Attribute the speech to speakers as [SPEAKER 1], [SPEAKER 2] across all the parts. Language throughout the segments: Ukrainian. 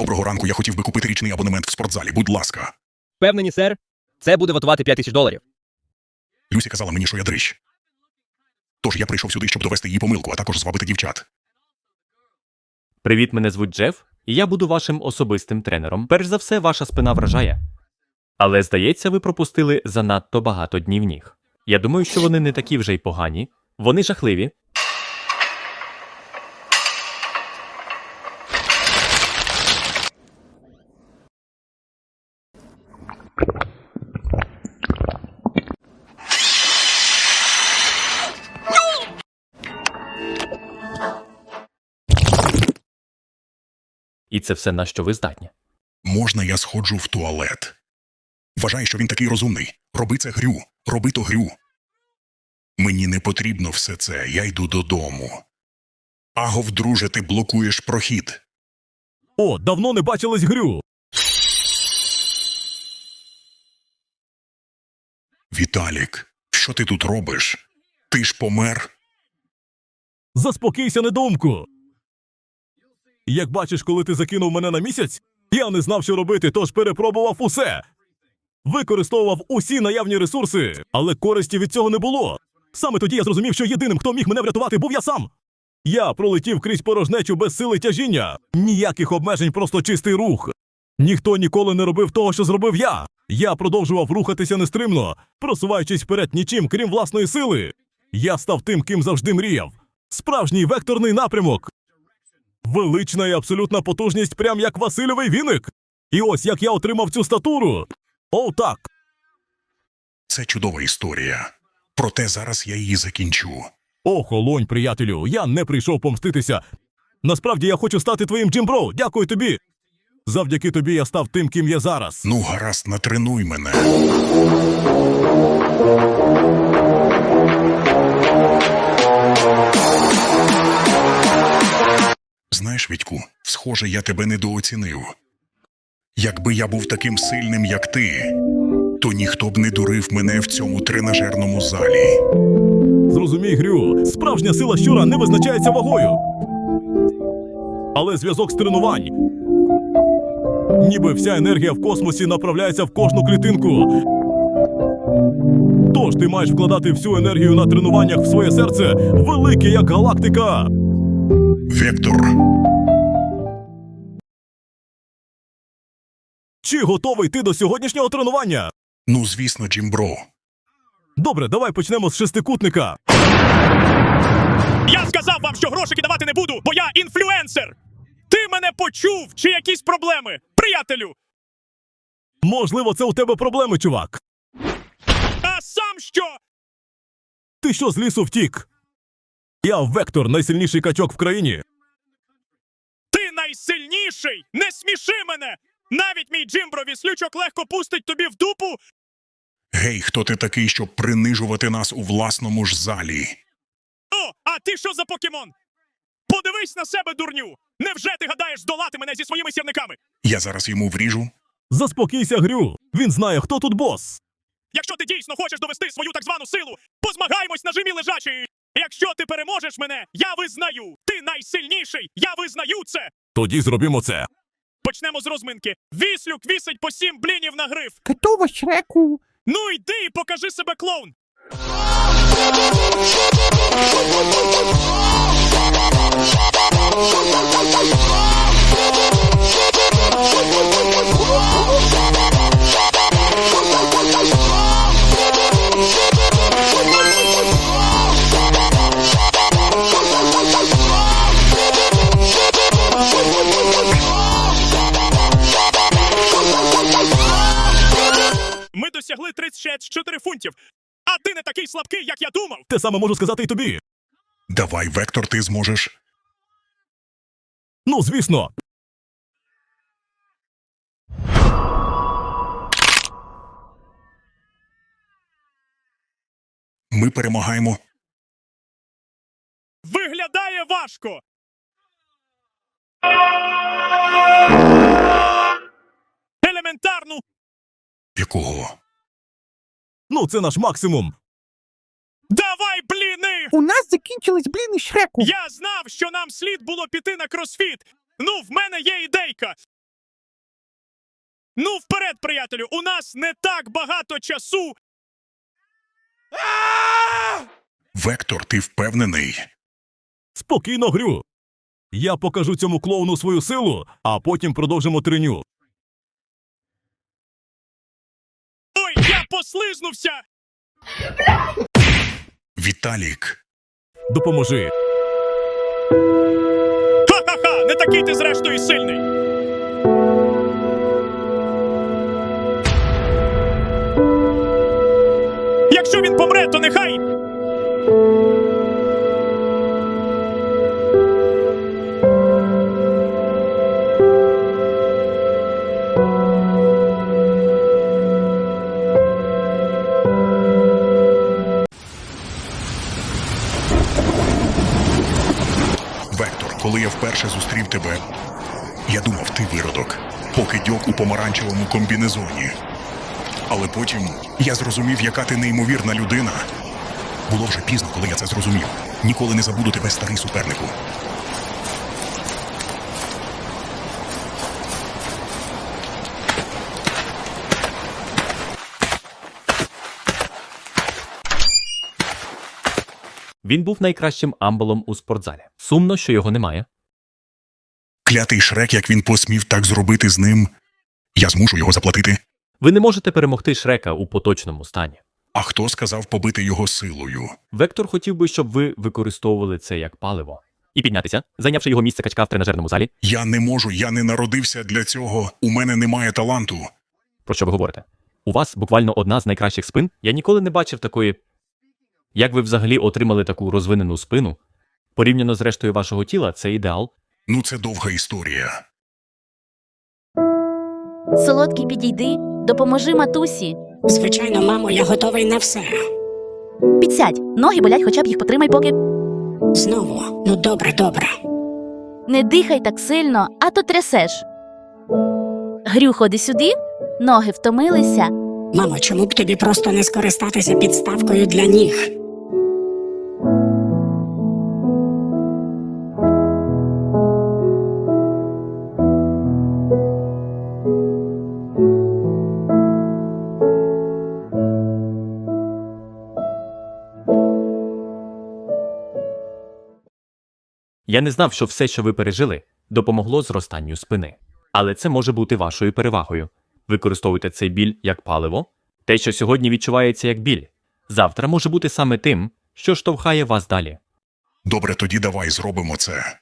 [SPEAKER 1] Доброго ранку, я хотів би купити річний абонемент в спортзалі, будь ласка.
[SPEAKER 2] Впевнені, сер? Це буде вартувати $5000.
[SPEAKER 1] Люсі казала мені, що я дрищ. Тож я прийшов сюди, щоб довести її помилку, а також звабити дівчат.
[SPEAKER 3] Привіт, мене звуть Джеф, і я буду вашим особистим тренером. Перш за все, ваша спина вражає. Але, здається, ви пропустили занадто багато днів ніг. Я думаю, що вони не такі вже й погані. Вони жахливі. І це все, на що ви здатні.
[SPEAKER 1] Можна я сходжу в туалет? Вважає, що він такий розумний. Роби це, Грю. Роби то, Грю. Мені не потрібно все це. Я йду додому. Агов, друже, ти блокуєш прохід.
[SPEAKER 4] О, давно не бачились, Грю.
[SPEAKER 1] Віталік, що ти тут робиш? Ти ж помер?
[SPEAKER 4] Заспокійся, недоумку. Як бачиш, коли ти закинув мене на місяць, я не знав, що робити, тож перепробував усе. Використовував усі наявні ресурси, але користі від цього не було. Саме тоді я зрозумів, що єдиним, хто міг мене врятувати, був я сам. Я пролетів крізь порожнечу без сили тяжіння. Ніяких обмежень, просто чистий рух. Ніхто ніколи не робив того, що зробив я. Я продовжував рухатися нестримно, просуваючись вперед нічим, крім власної сили. Я став тим, ким завжди мріяв. Справжній векторний напрямок. Велична і абсолютна потужність, прям як Васильовий віник. І ось як я отримав цю статуру. О, так.
[SPEAKER 1] Це чудова історія. Проте зараз я її закінчу.
[SPEAKER 4] Охолонь, приятелю, я не прийшов помститися. Насправді я хочу стати твоїм Джимбро, дякую тобі. Завдяки тобі я став тим, ким є зараз.
[SPEAKER 1] Ну, гаразд, натренуй мене. Знаєш, Вітьку, схоже, я тебе недооцінив. Якби я був таким сильним, як ти, то ніхто б не дурив мене в цьому тренажерному залі.
[SPEAKER 4] Зрозумій, Грю, справжня сила щура не визначається вагою. Але зв'язок з тренувань. Ніби вся енергія в космосі направляється в кожну клітинку. Тож ти маєш вкладати всю енергію на тренуваннях в своє серце, велике як галактика.
[SPEAKER 1] Вектор.
[SPEAKER 4] Чи готовий ти до сьогоднішнього тренування?
[SPEAKER 1] Ну, звісно, Джимбро.
[SPEAKER 4] Добре, давай почнемо з шестикутника.
[SPEAKER 5] Я сказав вам, що грошики давати не буду, бо я інфлюенсер! Ти мене почув, чи якісь проблеми, приятелю?
[SPEAKER 4] Можливо, це у тебе проблеми, чувак.
[SPEAKER 5] А сам що?
[SPEAKER 4] Ти що, з лісу втік? Я Вектор, найсильніший качок в країні.
[SPEAKER 5] Ти найсильніший! Не сміши мене! Навіть мій Джимбро віслючок легко пустить тобі в дупу.
[SPEAKER 1] Гей, хто ти такий, щоб принижувати нас у власному ж залі?
[SPEAKER 5] О, а ти що за покемон? Подивись на себе, дурню! Невже ти гадаєш здолати мене зі своїми сірниками?
[SPEAKER 1] Я зараз йому вріжу.
[SPEAKER 4] Заспокійся, Грю. Він знає, хто тут бос.
[SPEAKER 5] Якщо ти дійсно хочеш довести свою так звану силу, позмагаємось на жимі лежачі! Якщо ти переможеш мене, я визнаю! Ти найсильніший! Я визнаю це!
[SPEAKER 4] Тоді зробимо це.
[SPEAKER 5] Почнемо з розминки. Віслюк вісить по 7 блінів на гриф.
[SPEAKER 6] Готово, Шреку.
[SPEAKER 5] Ну йди і покажи себе, клоун! Ми досягли 34 фунтів. А ти не такий слабкий, як я думав.
[SPEAKER 4] Те саме можу сказати і тобі.
[SPEAKER 1] Давай, Вектор, ти зможеш.
[SPEAKER 4] Ну, звісно.
[SPEAKER 1] Ми перемагаємо.
[SPEAKER 5] Виглядає важко. Елементарну.
[SPEAKER 1] Якого?
[SPEAKER 4] Ну, це наш максимум.
[SPEAKER 5] Давай, бліни!
[SPEAKER 6] У нас закінчились бліни, Шреку.
[SPEAKER 5] Я знав, що нам слід було піти на кросфіт. Ну, в мене є ідейка. Ну, вперед, приятелю, у нас не так багато часу.
[SPEAKER 1] Вектор, ти впевнений?
[SPEAKER 4] Спокійно, Грю. Я покажу цьому клоуну свою силу, а потім продовжимо треню.
[SPEAKER 5] Ой, я послизнувся!
[SPEAKER 1] Віталік,
[SPEAKER 4] Допоможи.
[SPEAKER 5] Ха-ха-ха! Не такий ти зрештою сильний! Якщо він помре, то нехай...
[SPEAKER 1] Вектор, коли я вперше зустрів тебе, я думав, ти виродок, покидьок у помаранчевому комбінезоні. Але потім я зрозумів, яка ти неймовірна людина. Було вже пізно, коли я це зрозумів. Ніколи не забуду тебе, старий супернику.
[SPEAKER 3] Він був найкращим амбалом у спортзалі. Сумно, що його немає.
[SPEAKER 1] Клятий Шрек, як він посмів так зробити з ним. Я змушу його заплатити.
[SPEAKER 3] Ви не можете перемогти Шрека у поточному стані.
[SPEAKER 1] А хто сказав побити його силою?
[SPEAKER 3] Вектор хотів би, щоб ви використовували це як паливо. І піднятися, зайнявши його місце качка в тренажерному залі.
[SPEAKER 1] Я не можу, я не народився для цього. У мене немає таланту.
[SPEAKER 3] Про що ви говорите? У вас буквально одна з найкращих спин. Я ніколи не бачив такої... Як ви взагалі отримали таку розвинену спину? Порівняно з рештою вашого тіла, це ідеал.
[SPEAKER 1] Ну, це довга історія.
[SPEAKER 7] Солодкий, підійди, допоможи матусі.
[SPEAKER 8] Звичайно, мамо, я готовий на все.
[SPEAKER 7] Підсядь, ноги болять, хоча б їх потримай поки.
[SPEAKER 8] Знову. Ну добре, добре.
[SPEAKER 7] Не дихай так сильно, а то трясеш. Грю, ходи сюди, ноги втомилися.
[SPEAKER 8] Мамо, чому б тобі просто не скористатися підставкою для ніг?
[SPEAKER 3] Я не знав, що все, що ви пережили, допомогло зростанню спини. Але це може бути вашою перевагою. Використовуйте цей біль як паливо. Те, що сьогодні відчувається як біль, завтра може бути саме тим, що штовхає вас далі.
[SPEAKER 1] Добре, тоді давай зробимо це.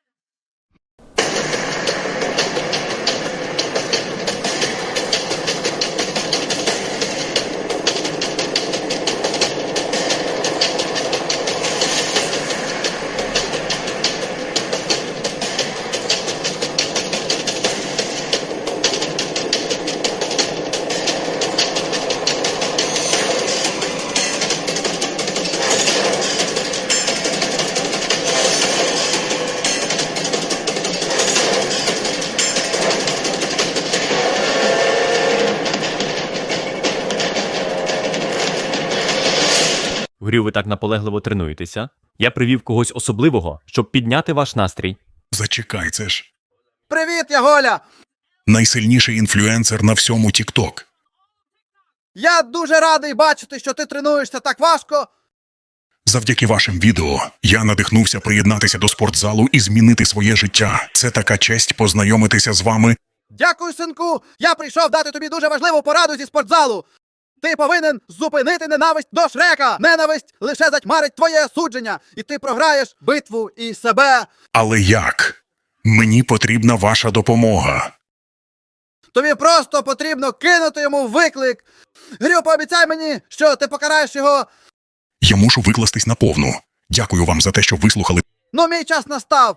[SPEAKER 3] Грю, ви так наполегливо тренуєтеся. Я привів когось особливого, щоб підняти ваш настрій.
[SPEAKER 1] Зачекай, це ж
[SPEAKER 9] Привіт, я Голя!
[SPEAKER 1] найсильніший інфлюенсер на всьому TikTok.
[SPEAKER 9] Я дуже радий бачити, що ти тренуєшся так важко.
[SPEAKER 1] Завдяки вашим відео я надихнувся приєднатися до спортзалу і змінити своє життя. Це така честь познайомитися з вами.
[SPEAKER 9] Дякую, синку! Я прийшов дати тобі дуже важливу пораду зі спортзалу. Ти повинен зупинити ненависть до Шрека. Ненависть лише затьмарить твоє судження, і ти програєш битву і себе.
[SPEAKER 1] Але як? Мені потрібна ваша допомога.
[SPEAKER 9] Тобі просто потрібно кинути йому виклик. Грю, пообіцяй мені, що ти покараєш його.
[SPEAKER 1] Я мушу викластись наповну. Дякую вам за те, що вислухали.
[SPEAKER 9] Ну, мій час настав.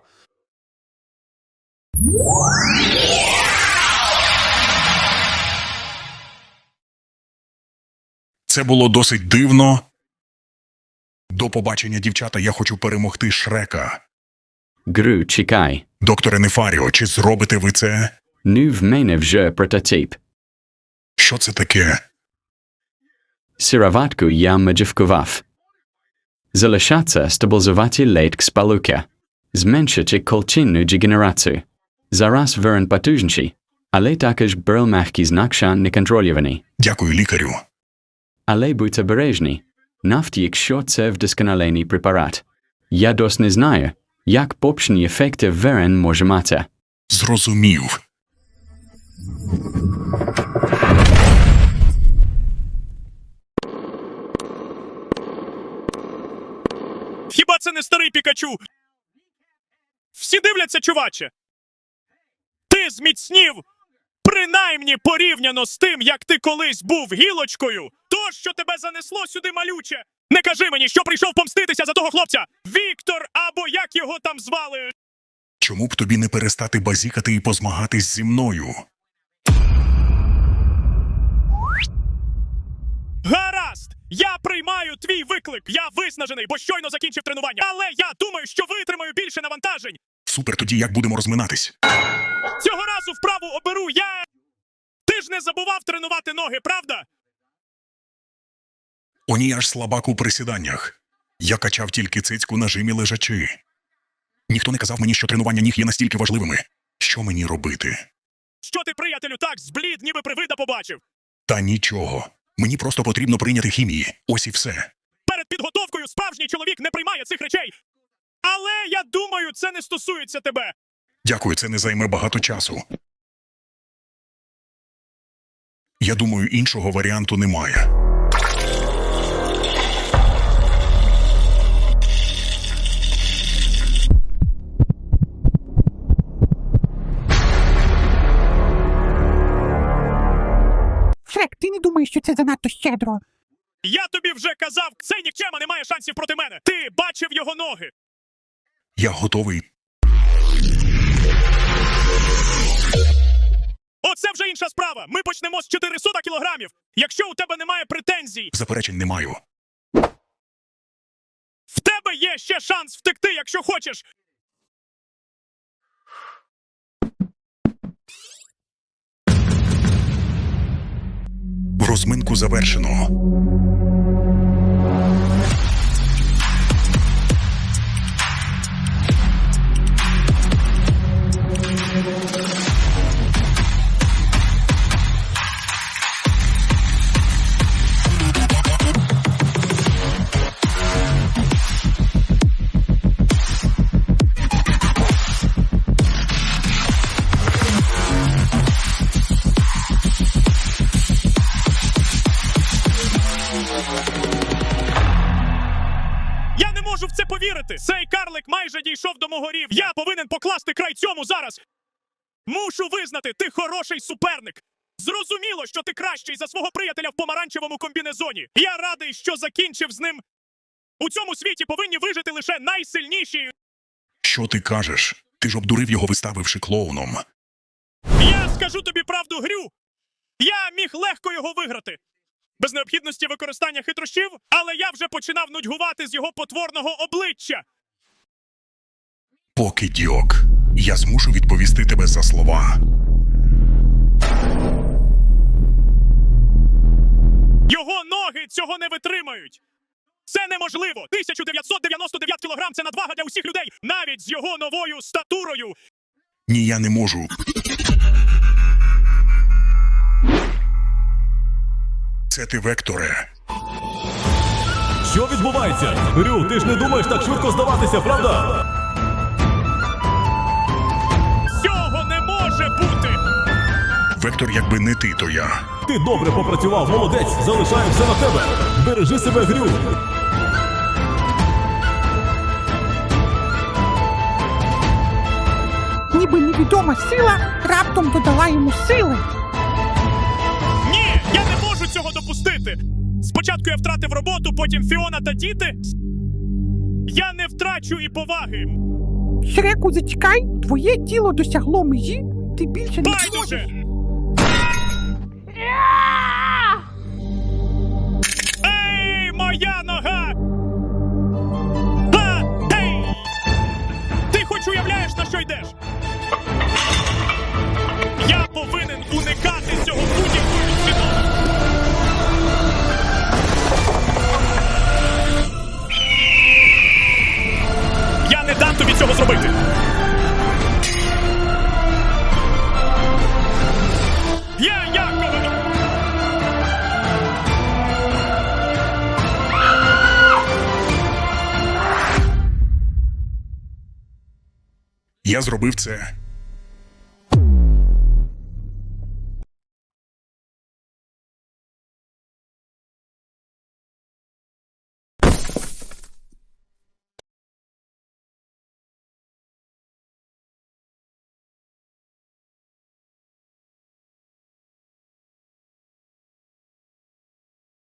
[SPEAKER 1] Це було досить дивно. До побачення, дівчата, я хочу перемогти Шрека.
[SPEAKER 10] Gru Chikai.
[SPEAKER 1] Докторе Нефаріо, чи зробите ви це?
[SPEAKER 10] Nuv Menev je prototype.
[SPEAKER 1] Що це таке?
[SPEAKER 10] Siravatku ya Majivkovaf. Zalashatsa stabilzovati late Spaluka. Zmenshachik kolchinu jigeneratsu. Zaras veren patuzhnshi. Але також брал мягкий знак шан неконтрольований.
[SPEAKER 1] Дякую, лікарю.
[SPEAKER 10] Але будьте бережні. Навіть якщо це вдосконалений препарат. Я досі не знаю, як побічні ефекти він може мати.
[SPEAKER 1] Зрозумів.
[SPEAKER 5] Хіба це не старий Пікачу? Всі дивляться, чуваче. Ти зміцнів, принаймні порівняно з тим, як ти колись був гілочкою. То, що тебе занесло сюди, малюче. Не кажи мені, що прийшов помститися за того хлопця. Віктор, або як його там звали.
[SPEAKER 1] Чому б тобі не перестати базікати і позмагатись зі мною?
[SPEAKER 5] Гаразд! Я приймаю твій виклик. Я виснажений, бо щойно закінчив тренування. Але я думаю, що витримаю більше навантажень.
[SPEAKER 1] Супер, тоді як будемо розминатись?
[SPEAKER 5] Цього разу вправу оберу я. Ти ж не забував тренувати ноги, правда?
[SPEAKER 1] О ні, аж слабак у присіданнях. Я качав тільки цицьку на жимі лежачи. Ніхто не казав мені, що тренування ніг є настільки важливими. Що мені робити?
[SPEAKER 5] Що ти, приятелю, так зблід, ніби привида побачив?
[SPEAKER 1] Та нічого. Мені просто потрібно прийняти хімії. Ось і все.
[SPEAKER 5] Перед підготовкою справжній чоловік не приймає цих речей. Але я думаю, це не стосується тебе.
[SPEAKER 1] Дякую, це не займе багато часу. Я думаю, іншого варіанту немає.
[SPEAKER 6] Шрек, ти не думаєш, що це занадто щедро?
[SPEAKER 5] Я тобі вже казав, цей нікчема не має шансів проти мене. Ти бачив його ноги.
[SPEAKER 1] Я готовий.
[SPEAKER 5] Оце вже інша справа. Ми почнемо з 400 кілограмів. Якщо у тебе немає претензій,
[SPEAKER 1] Заперечень не маю.
[SPEAKER 5] в тебе є ще шанс втекти, якщо хочеш.
[SPEAKER 1] Розминку завершено.
[SPEAKER 5] Я не можу в це повірити. Цей карлик майже дійшов до мого рівня. Я повинен покласти край цьому зараз. Мушу визнати, ти хороший суперник. Зрозуміло, що ти кращий за свого приятеля в помаранчевому комбінезоні. Я радий, що закінчив з ним. У цьому світі повинні вижити лише найсильніші.
[SPEAKER 1] Що ти кажеш? Ти ж обдурив його, виставивши клоуном.
[SPEAKER 5] Я скажу тобі правду, Грю. Я міг легко його виграти. Без необхідності використання хитрощів, але я вже починав нудьгувати з його потворного обличчя.
[SPEAKER 1] Покидьок. Я змушу відповісти тебе за слова.
[SPEAKER 5] Його ноги цього не витримають. Це неможливо. 1999 кілограм – це надвага для усіх людей, навіть з його новою статурою.
[SPEAKER 1] Ні, я не можу. Це ти, Векторе.
[SPEAKER 4] Що відбувається? Рю, ти ж не думаєш так швидко здаватися, правда?
[SPEAKER 5] Цього не може бути.
[SPEAKER 1] Вектор, якби не ти, то я.
[SPEAKER 4] Ти добре попрацював, молодець, залишаю все на тебе. Бережи себе, Грю.
[SPEAKER 6] Ніби невідома сила раптом додала йому сили.
[SPEAKER 5] Ні, я не можу цього допустити. Спочатку я втратив роботу, потім Фіона та діти. Я не втрачу і поваги.
[SPEAKER 6] Шреку, зачекай, твоє тіло досягло межі, ти більше не
[SPEAKER 5] Байдуже!
[SPEAKER 6] зможеш.
[SPEAKER 5] Ей, моя нога! Ей! Ти хоч уявляєш, на що йдеш? Я повинен уникати цього будь-якою ціною. Я не дам тобі цього зробити.
[SPEAKER 1] Я зробив це